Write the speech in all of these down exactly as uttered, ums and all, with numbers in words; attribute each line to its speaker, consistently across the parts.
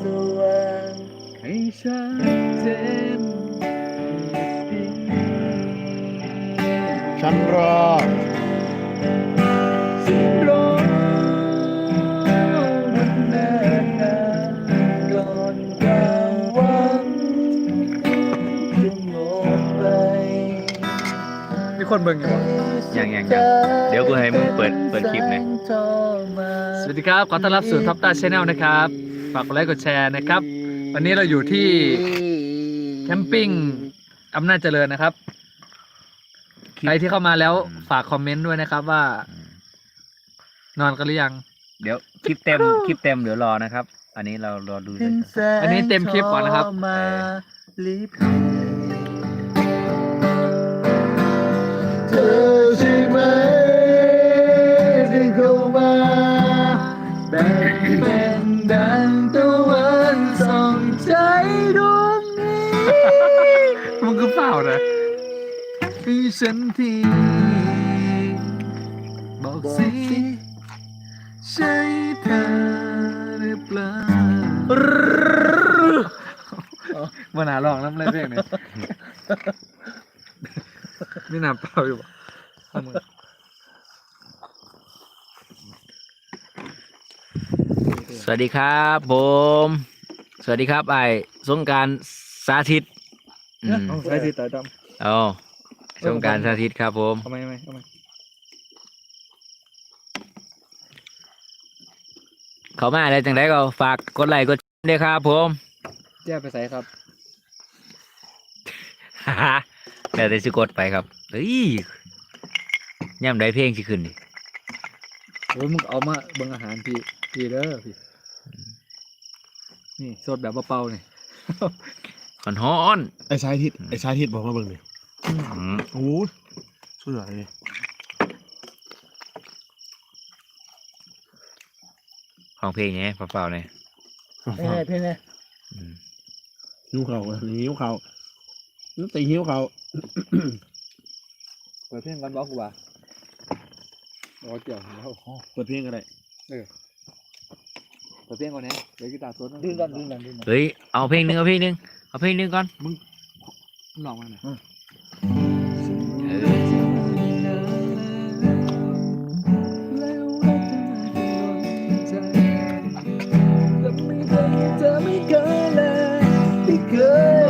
Speaker 1: ว่างให้ชัดเจน
Speaker 2: ฉันรอ
Speaker 1: ฉันรอมันนานนานก่อนความหวังจะหมดไปมีคนเบิ่งอยู่ปะ
Speaker 3: ยังยังยังเดี๋ยวกูให้มึงเปิดเปิดคลิปหน่อย
Speaker 1: สวัสดีครับขอต้อนรับสู่ท็อปต้าชาแนลนะครับฝากกดไลค์กดแชร์นะครับวันนี้เราอยู่ที่แคมปิ้งอำนาจเจริญนะครับใครที่เข้ามาแล้วฝากคอมเมนต์ด้วยนะครับว่านอนกันหรือยัง
Speaker 3: เดี๋ยวคลิปเต็มคลิปเต็มเดี๋ยวรอนะครับ อันนี้เรารอดูเลย
Speaker 1: อันนี้เต็มคลิปก่อนนะครับเธอใช่ไหมที่เข้ามาแบ่งเป็นดังตะวันส่องใจดวงนี้มันก็เปล่านะให้ฉันทีบอกสิใช่เธอหรือเปล่ามันหาลองน้ำเล่นเพลงเนี่ยไม่น่าเปล่าอยู่ป่ะ
Speaker 3: สวัสดีครับผมสวัสดีครับไอ้สงกรานต์สาธิตอืม
Speaker 1: ใช่ที่ตาดำ
Speaker 3: เอาสงกรานต์สาธิตครับผม
Speaker 1: ทำไมทำไมทำไม
Speaker 3: เขามาอะไรจังไดก็ฝากกดไลค์กดแชร์ด้วยครับผม
Speaker 1: แย่ไปใส่ครับ
Speaker 3: ฮ่าฮ่าแล้วแต่สิกดไปครับเฮ้ยย่ำได้เพลงสิขึ้นนี่
Speaker 1: โอ้ยมึงเอามาเบิ่งอาหารพี่พี่เด้อพี่นี่สดแบบเบาๆนี่
Speaker 3: ขอนฮ้อน
Speaker 2: ไอ้ชายทิศไอ้ชายทิศบอกมาเบิ่งดิ
Speaker 3: อืม
Speaker 2: โอ้ยสุดยอดเลย
Speaker 3: ของเพลงไงเปล่าๆเนี่ย
Speaker 1: เพ่เพ่เนี่ย
Speaker 3: อืม
Speaker 2: หิวเขาหิวเขานึกแต่หิวเขา
Speaker 1: เปิดเพลงกันบอกกูว่ารอเกี่ยวแล้ว
Speaker 2: เปิดเพลงอะไร
Speaker 1: เปิดเพลงก่อนนะเดี๋ยวกีตาร์สดดึงกันดึงกันดึงกัน
Speaker 3: เฮ้ยเอาเพลงหนึงเอาเพลงหนึงเอาเพลงหนึงก่อน
Speaker 2: ลองมาหน่อย
Speaker 3: เออ
Speaker 1: จะไม่เคยเลยที่เคย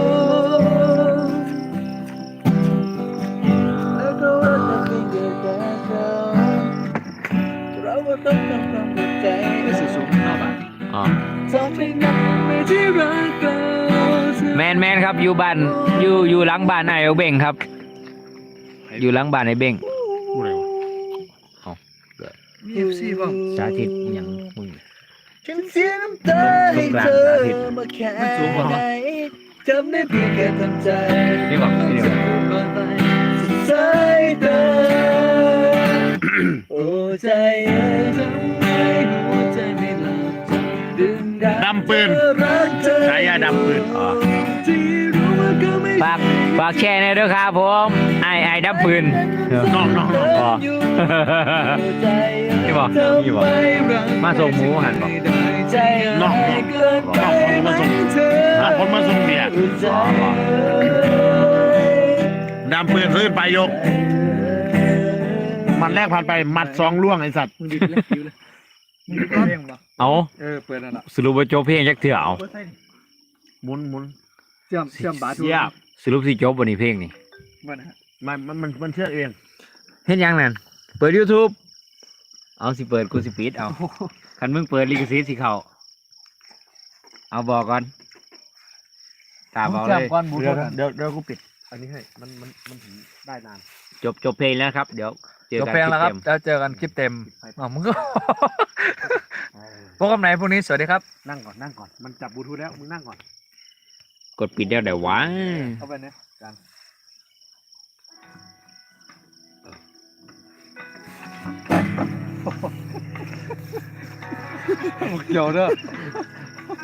Speaker 1: แล้วก็ว่าจะไม่เกิดแต่เราเราก็ต้องทำความเข้าใจไม่ใช่สูงเท่าบ้าน
Speaker 3: อ๋อ
Speaker 1: ทำให้นักไม่ที่รักเรา
Speaker 3: แมนแมนครับอยู่บ้านอยู่อยู่หลังบ้านไอ้เบ้งครับ อยู่หลังบ้านไอ้เบ้ง
Speaker 2: พูดอะไรวะ
Speaker 1: มีเอฟซีบ้าง
Speaker 3: สาธิตอิหยังมึง
Speaker 1: ฉันเสียน้ำตาให้เธอมาแค่ไหนจำได้เพียงแค่ทำใจ
Speaker 3: นี่บอกนี่บอก
Speaker 1: สุดท้ายเธอโอ้ใจเอ๋ยทำไมหัวใจไม่หลับดึงดัน
Speaker 2: ดำปืน
Speaker 1: รักเธอ
Speaker 2: ฉายาดำปืน
Speaker 3: อ๋อ
Speaker 1: ที่รู้ว่าก็ไม่
Speaker 3: ฝากฝากแชร์หน่อยด้วยครับผมไอ้ไอ้ดับปืน
Speaker 2: น้องน้องน้อง
Speaker 3: อ๋อ นี่บอกนี่บอกมาส่งหมูหันบอก
Speaker 2: น้องน้องน้องคนมาส่งน้องคนมาส่งเบียร์
Speaker 3: อ๋อบอก
Speaker 2: ดำปืนขึ้นไปยก มันแรกผ่านไปหมัดสองล่วงไอสัตว์
Speaker 1: มึงดิเลยดิเลยมึงดิเพลงปะ
Speaker 3: เอา
Speaker 1: เออเปิดนั่นแหละ
Speaker 3: สรุปว่าจบเพลงจักเถื่อเอา
Speaker 2: หมุนหมุน
Speaker 1: เชื่อมเชื่อมบาทู
Speaker 2: เสียบ
Speaker 3: สรุปสิจบวันนี้เพลงนี่
Speaker 1: มันฮะ
Speaker 2: มันมันมันมันเชื่อเอง
Speaker 3: เห็นยังนั่นเปิด YouTube เอาสิเปิดกูสิปิดเอาคันมึงเปิดลิขสิทธิ์สิเขาเอาบอกก่อนตามเอา
Speaker 1: เชื่
Speaker 3: เล
Speaker 1: อม
Speaker 3: ย
Speaker 1: ก้อนบู
Speaker 2: เดี๋
Speaker 1: ทู
Speaker 2: ยว
Speaker 1: ธ
Speaker 2: เดี๋ยวเดี๋ยวกูปิด อันนี้ให้ มันมันมันถึงได้นาน
Speaker 3: จบจบเพลงแล้วครับ เดี๋ยวเจอ
Speaker 1: จบ
Speaker 3: กัน
Speaker 1: เพลงแล้วครับ
Speaker 3: ลิปเต็ม
Speaker 1: แล้วเจอกันคลิปเต็มอ๋อมึงก็ พบกันไหนพรุ่งนี้สวัสดีครับ
Speaker 2: นั่งก่อนนั่งก่อน มันจับบลูทูธแล้ว มึงนั่งก่อน
Speaker 3: กดปิดเดี๋ยวเดี๋ยววะ
Speaker 1: เข้าไปเนี่ยกันเกี่ยวเด้อ